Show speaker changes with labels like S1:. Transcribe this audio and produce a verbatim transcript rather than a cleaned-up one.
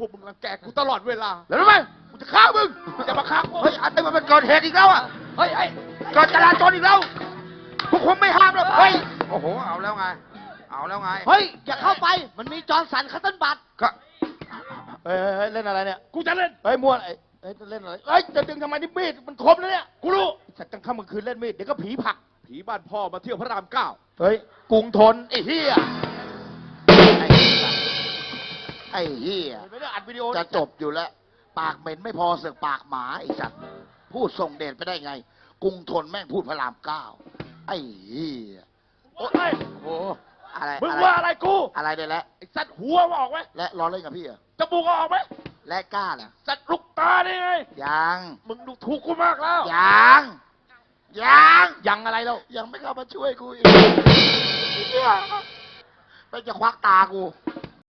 S1: วกมึงรังแกกูตลอดเวลา
S2: แล้วรู้ไหม
S1: กูจะฆ่ามึงจะมาฆ่ากู
S2: เฮ้ยไอ้มันเป็นเกิดเหตุอีกแล้วอ่ะ
S1: เฮ้ยไอ้
S2: เกิดจราจรอีกแล้วพวกผมไม่ห้ามหรอกเฮ้ยโอ้โหเอาแล้วไงเอาแล้วไง
S3: เฮ้ยอย่าเข้าไปมันมีจอร์นสันคัตเติ้ลบัต
S2: ก็
S4: เฮ้ยเฮ้ยเล่นอะไรเนี่ย
S1: กูจะเล่น
S4: เฮ้ยม้วนไอ้เฮ้ยเล่นอะไรเฮ้ยจะดึงทำไมนี่มีดมันคมแล้วเนี่ย
S1: กูรู้
S4: สัตว์กลางค่ำกลางคืนเล่นมีดเดี๋ยวก็ผีผลัก
S1: ผีบ้านพ่อมาเที่ยวพระรามเก้า
S4: เฮ้ยกรุงทนไอ้เหี้ย
S2: ไอ้เหี้ย
S4: เห็นไหมเนี่ยอัดวิดีโอ
S2: จะจบอยู่แล้ว ปากเหม็นไม่พอเสือกปากหมาไอ้สัตว์พูดส่งเดชไปได้ไง กรุงทนแม่งพูดพระรามเก้าไอ้เหี้ย
S1: โอ้ย
S2: โอ้อะไร
S1: มึง
S2: อะไร
S1: ว่าอะไรกู
S2: อะไรได้แล้ว
S1: ไอ้สัตว์หัวมาออกไหม
S2: และล้อเล่นกับพี่เหรอ
S1: จมูกออกไหม
S2: และกล้าน่ะ
S1: สัตว์ลูกตาได้ไง
S2: ยัง
S1: มึงดูถูกกูมากแล้ว
S2: ยังยัง
S4: ยังอะไรแล้ว
S2: ยังไม่เข้ามาช่วยกูอีกเหี้ยไม่จะควักตากู